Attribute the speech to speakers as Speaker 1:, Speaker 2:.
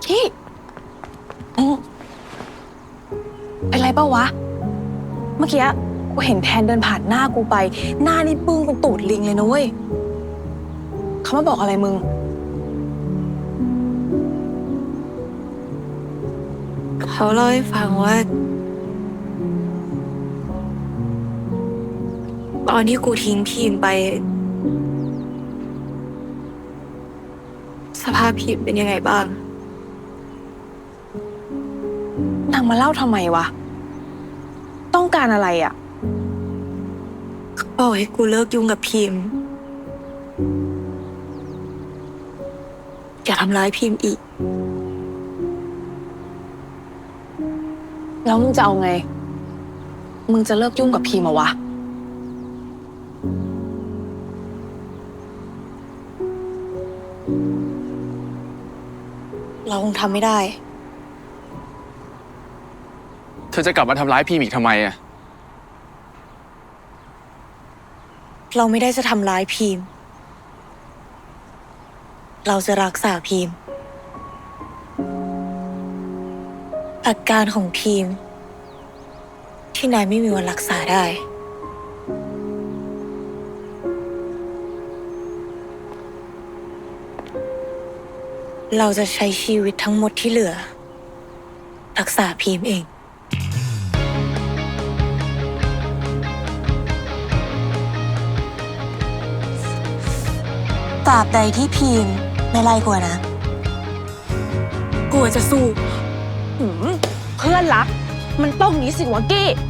Speaker 1: พี่เป็นไรเปล่าวะเมื่อกี้กูเห็นแทนเดินผ่านหน้ากูไปหน้านี่ปึ้งเป็นตูดลิงเลยนะเว้ยเขามาบอกอะไรมึง
Speaker 2: เขาเล่าให้ฟังว่าตอนที่กูทิ้งพีมไปสภาพพีมเป็นยังไงบ้าง
Speaker 1: นางมาเล่าทำไมวะต้องการอะไรอ่ะ
Speaker 2: เขาบอกให้กูเลิกยุ่งกับพีมอย่าทำร้ายพีมอีก
Speaker 1: แล้วมึงจะเอาไงมึงจะเลิกยุ่งกับพีมเหรอวะ
Speaker 2: เราคงทำไม่ได้
Speaker 3: เธอจะกลับมาทำร้ายพี่อีกทำไมอะ
Speaker 2: เราไม่ได้จะทำร้ายพีมเราจะรักษาพีมอาการของพีมที่นายไม่มีวันรักษาได้เราจะใช้ชีวิตทั้งหมดที่เหลือรักษาพีมเองตราบใดที่พีมไม่ไล่กูนะกูจะสู้
Speaker 1: เพื่อนรักมันต้องนี้สิวะกี้